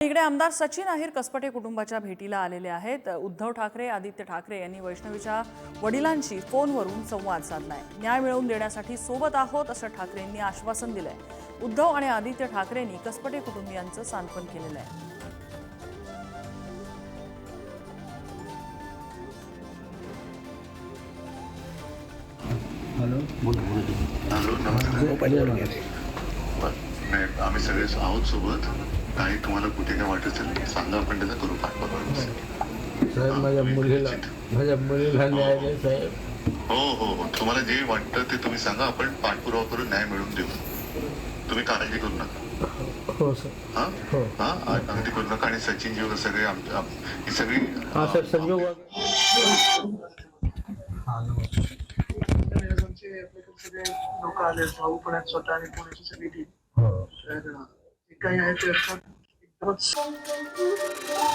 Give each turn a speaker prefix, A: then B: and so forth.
A: इकडे आमदार सचिन अहिर कसपटे कुटुंबाच्या भेटीला आलेले आहेत। उद्धव ठाकरे, आदित्य ठाकरे यांनी वैष्णवीच्या वडिलांशी फोनवरून संवाद साधलाय। न्याय मिळवून देण्यासाठी सोबत आहोत असं ठाकरेंनी आश्वासन दिलंय। उद्धव आणि आदित्य ठाकरेंनी कसपटे कुटुंबियांचं सांत्वन केलेलं आहे।
B: हॅलो
C: आम्ही सगळे आहोत सोबत। काही तुम्हाला कुठे काय वाटत असेल सांगा, आपण त्याचा करू पाठपुरावा।
B: साहेब माझ्या मुलीला न्याय द्या साहेब।
C: हो हो हो, तुम्हाला जे वाटतं ते तुम्ही सांगा, आपण पाठपुरावा करून न्याय मिळवून देऊ। तुम्ही काळजी करू नका।
B: हो सर।
C: हा हा, अगदी करू नका। आणि सचिनजी वगैरे सगळे ही सगळी
B: सर संजोग
D: सगळे लोक आले, भाऊ पुण्यात स्वतः आणि पुण्याची सगळी टीम। तर काही आहे ते एकदमच